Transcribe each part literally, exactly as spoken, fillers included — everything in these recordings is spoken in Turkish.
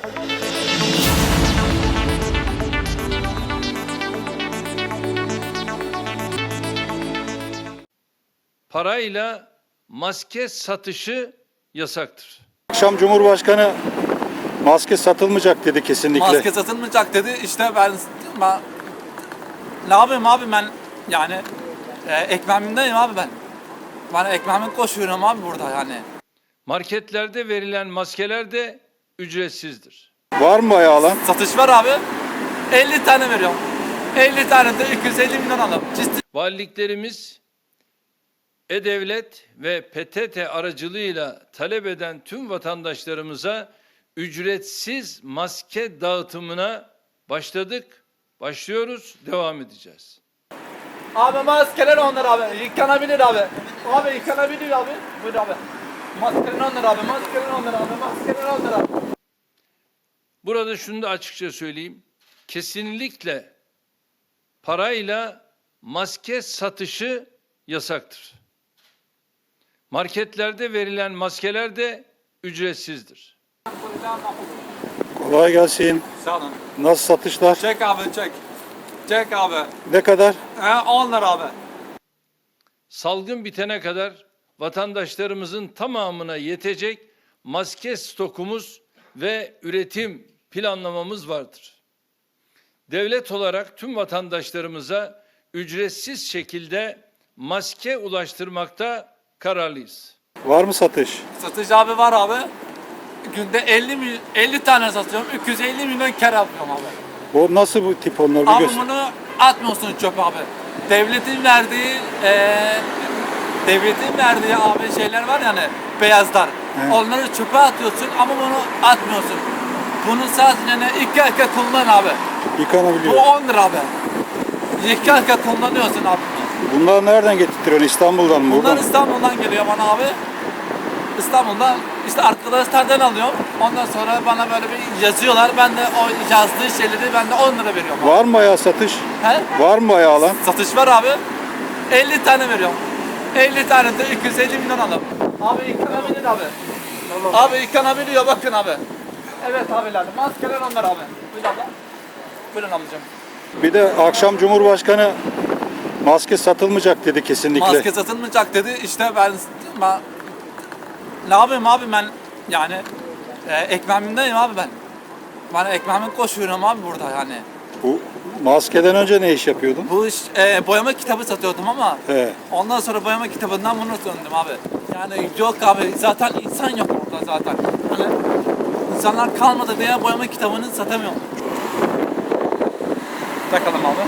Parayla maske satışı yasaktır. Akşam Cumhurbaşkanı maske satılmayacak dedi kesinlikle. Maske satılmayacak dedi. İşte ben, ben ne yapayım abi ben yani e, ekmeğimdeyim abi ben. Ben ekmeğimi koşuyorum abi burada yani. Marketlerde verilen maskeler de ücretsizdir. Var mı bayağı alan? Satış var abi. elli tane veriyorum. elli tane de iki yüz elli milyon alalım. Ciddi. Valiliklerimiz E-Devlet ve P T T aracılığıyla talep eden tüm vatandaşlarımıza ücretsiz maske dağıtımına başladık, başlıyoruz, devam edeceğiz. Abi maskeler onlar abi. Yıkanabilir abi. Abi yıkanabilir abi. Buyur abi. Maskeler onlar abi. Maskeler onlar abi. Maskeler onlar abi. Burada şunu da açıkça söyleyeyim. Kesinlikle parayla maske satışı yasaktır. Marketlerde verilen maskeler de ücretsizdir. Kolay gelsin. Sağ olun. Nasıl satışlar? Çek abi çek. Çek abi. Ne kadar? He on lira abi. Salgın bitene kadar vatandaşlarımızın tamamına yetecek maske stokumuz ve üretim planlamamız vardır. Devlet olarak tüm vatandaşlarımıza ücretsiz şekilde maske ulaştırmakta kararlıyız. Var mı satış? Satış abi var abi. Günde elli, mil- elli tane satıyorum. iki yüz elli milyon kar yapıyorum abi. O nasıl bu tip onlar bir Abi göster. bunu atmıyorsun çöpe abi. Devletin verdiği eee devletin verdiği abi şeyler var yani beyazlar. Evet. Onları çöpe atıyorsun ama bunu atmıyorsun. Bunu sadece ne iki dakika kullan abi. Bu Yıkanabiliyor. on lira abi. İki dakika kullanıyorsun abi. Bunlar nereden getirtiyorsun? İstanbul'dan mı? Bunlar Buradan mı? İstanbul'dan geliyor bana abi. İstanbul'dan işte arkadaşlardan alıyorum. Ondan sonra bana böyle bir yazıyorlar. Ben de o yazdığı şeyleri ben de on lira veriyorum. Var mı bayağı satış? He? Var mı bayağı alan? Satış var abi. elli tane veriyorum. elli tane de iki yüz elli milyon alalım. Abi yıkanabilir abi. Tamam. Abi yıkanabiliyor bakın abi. Evet abiler. Maskeler onlar abi. Buyurun abla. Buyurun ablacığım. Bir de akşam Cumhurbaşkanı maske satılmayacak dedi kesinlikle. Maske satılmayacak dedi. İşte ben, ben ne yapayım abi ben yani e, ekmeğimdeyim abi ben. Ben ekmeğimi koşuyorum abi burada yani. Bu maskeden önce ne iş yapıyordun? Bu iş e, boyama kitabı satıyordum ama He. ondan sonra boyama kitabından bunu döndüm abi. Yani yok abi zaten insan yok burada zaten. Hani insanlar kalmadı diye boyama kitabını satamıyorum. Takalım abi.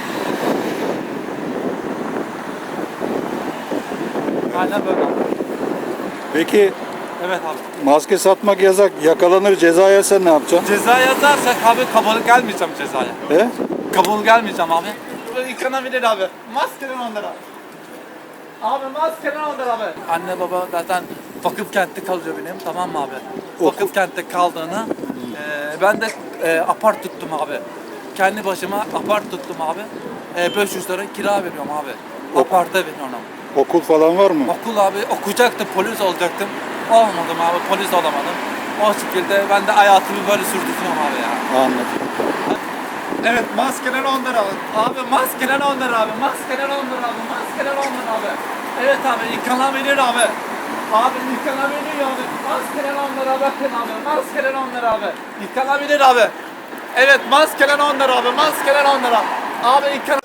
Aynen böyle abi. Peki Evet abi. maske satmak yasak. Yakalanır ceza yersen ne yapacaksın? Ceza yazarsak abi kabul gelmeyeceğim cezaya. He? Kabul gelmeyeceğim abi. Böyle yıkanabilir abi. Maskeden on lira. Abi maskeden on lira abi. Anne baba zaten vakıf kentte kalıyor benim, tamam mı abi? Vakıf kentte kaldığını e, ben de e, apart tuttum abi. Kendi başıma apart tuttum abi. E, beş yüz lira kira veriyorum abi. Aparta veriyorum. Okul falan var mı? Okul abi okuyacaktım, polis olacaktım. Olmadım abi, polis olamadım. O şekilde ben de hayatımı böyle sürdürüyorum abi ya. Anladım. Evet, maskeler on lira abi. Abi maskeler on lira abi. Maskeler on lira abi. Maskeler on lira abi. Evet abi yıkanabilir abi. Abi yıkanabilir abi. Maskeler on lira bakın abi. Maskeler on lira abi. Yıkanabilir abi. Evet maskeler on lira abi. Maskeler on lira. Abi yıkan